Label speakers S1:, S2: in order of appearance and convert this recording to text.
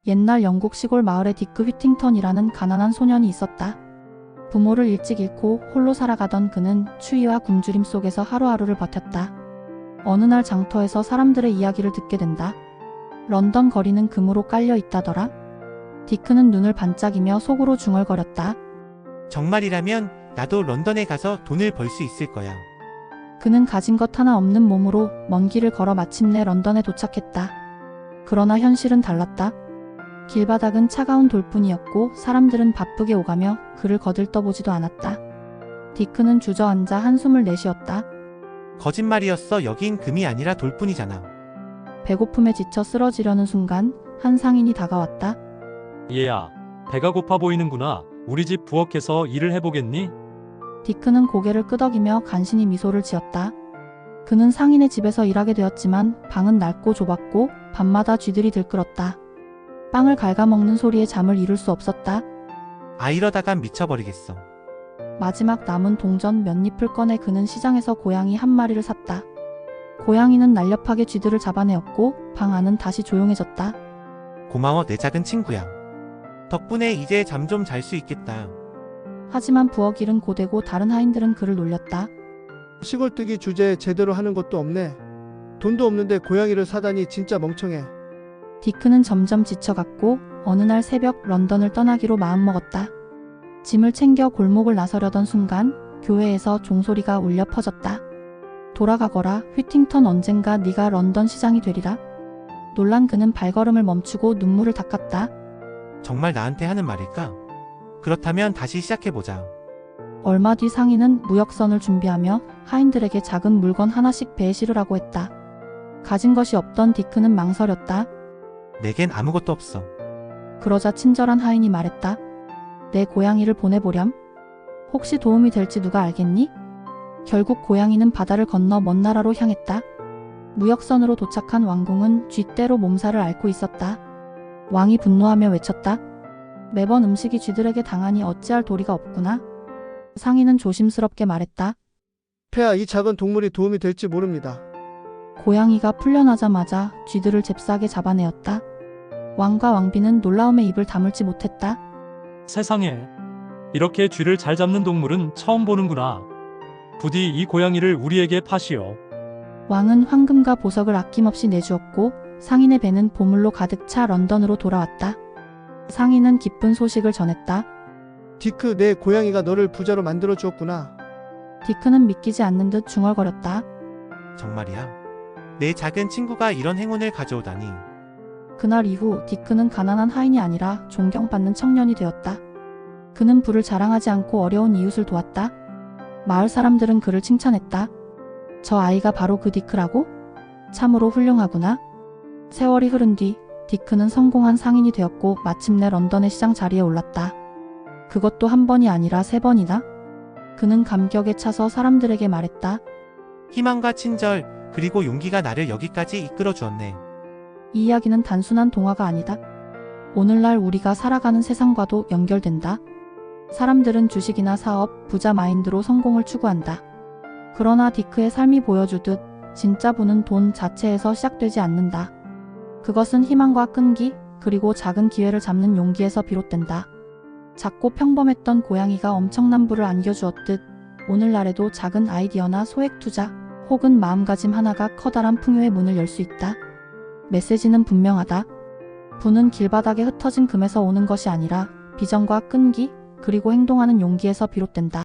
S1: 옛날 영국 시골 마을에 디크 휘팅턴이라는 가난한 소년이 있었다. 부모를 일찍 잃고 홀로 살아가던 그는 추위와 굶주림 속에서 하루하루를 버텼다. 어느 날 장터에서 사람들의 이야기를 듣게 된다. 런던 거리는 금으로 깔려 있다더라. 디크는 눈을 반짝이며 속으로 중얼거렸다.
S2: 정말이라면 나도 런던에 가서 돈을 벌 수 있을 거야.
S1: 그는 가진 것 하나 없는 몸으로 먼 길을 걸어 마침내 런던에 도착했다. 그러나 현실은 달랐다. 길바닥은 차가운 돌뿐이었고 사람들은 바쁘게 오가며 그를 거들떠보지도 않았다. 디크는 주저앉아 한숨을 내쉬었다.
S2: 거짓말이었어. 여긴 금이 아니라 돌뿐이잖아.
S1: 배고픔에 지쳐 쓰러지려는 순간 한 상인이 다가왔다.
S3: 얘야, 배가 고파 보이는구나. 우리 집 부엌에서 일을 해보겠니?
S1: 디크는 고개를 끄덕이며 간신히 미소를 지었다. 그는 상인의 집에서 일하게 되었지만 방은 넓고 좁았고 밤마다 쥐들이 들끓었다. 빵을 갉아먹는 소리에 잠을 이룰 수 없었다.
S2: 이러다간 미쳐버리겠어.
S1: 마지막 남은 동전 몇 잎을 꺼내 그는 시장에서 고양이 한 마리를 샀다. 고양이는 날렵하게 쥐들을 잡아내었고 방 안은 다시 조용해졌다.
S2: 고마워 내 작은 친구야. 덕분에 이제 잠 좀 잘 수 있겠다.
S1: 하지만 부엌 일은 고되고 다른 하인들은 그를 놀렸다.
S4: 시골뜨기 주제에 제대로 하는 것도 없네. 돈도 없는데 고양이를 사다니 진짜 멍청해.
S1: 디크는 점점 지쳐갔고 어느 날 새벽 런던을 떠나기로 마음먹었다. 짐을 챙겨 골목을 나서려던 순간 교회에서 종소리가 울려 퍼졌다. 돌아가거라 휘팅턴 언젠가 네가 런던 시장이 되리라. 놀란 그는 발걸음을 멈추고 눈물을 닦았다.
S2: 정말 나한테 하는 말일까? 그렇다면 다시 시작해보자.
S1: 얼마 뒤 상인은 무역선을 준비하며 하인들에게 작은 물건 하나씩 배에 실으라고 했다. 가진 것이 없던 디크는 망설였다.
S2: 내겐 아무것도 없어.
S1: 그러자 친절한 하인이 말했다. 내 고양이를 보내보렴. 혹시 도움이 될지 누가 알겠니? 결국 고양이는 바다를 건너 먼 나라로 향했다. 무역선으로 도착한 왕궁은 쥐떼로 몸살을 앓고 있었다. 왕이 분노하며 외쳤다. 매번 음식이 쥐들에게 당하니 어찌할 도리가 없구나. 상인은 조심스럽게 말했다.
S4: 폐하, 이 작은 동물이 도움이 될지 모릅니다.
S1: 고양이가 풀려나자마자 쥐들을 잽싸게 잡아내었다. 왕과 왕비는 놀라움에 입을 다물지 못했다.
S3: 세상에, 이렇게 쥐를 잘 잡는 동물은 처음 보는구나. 부디 이 고양이를 우리에게 파시오.
S1: 왕은 황금과 보석을 아낌없이 내주었고 상인의 배는 보물로 가득 차 런던으로 돌아왔다. 상인은 기쁜 소식을 전했다.
S4: 디크, 내 고양이가 너를 부자로 만들어 주었구나.
S1: 디크는 믿기지 않는 듯 중얼거렸다.
S2: 정말이야. 내 작은 친구가 이런 행운을 가져오다니.
S1: 그날 이후 디크는 가난한 하인이 아니라 존경받는 청년이 되었다. 그는 부를 자랑하지 않고 어려운 이웃을 도왔다. 마을 사람들은 그를 칭찬했다. 저 아이가 바로 그 디크라고? 참으로 훌륭하구나. 세월이 흐른 뒤 디크는 성공한 상인이 되었고 마침내 런던의 시장 자리에 올랐다. 그것도 한 번이 아니라 3번이나. 그는 감격에 차서 사람들에게 말했다.
S2: 희망과 친절 그리고 용기가 나를 여기까지 이끌어 주었네.
S1: 이 이야기는 단순한 동화가 아니다. 오늘날 우리가 살아가는 세상과도 연결된다. 사람들은 주식이나 사업, 부자 마인드로 성공을 추구한다. 그러나 디크의 삶이 보여주듯 진짜 부는 돈 자체에서 시작되지 않는다. 그것은 희망과 끈기, 그리고 작은 기회를 잡는 용기에서 비롯된다. 작고 평범했던 고양이가 엄청난 부를 안겨주었듯 오늘날에도 작은 아이디어나 소액 투자, 혹은 마음가짐 하나가 커다란 풍요의 문을 열 수 있다. 메시지는 분명하다. 부는 길바닥에 흩어진 금에서 오는 것이 아니라 비전과 끈기, 그리고 행동하는 용기에서 비롯된다.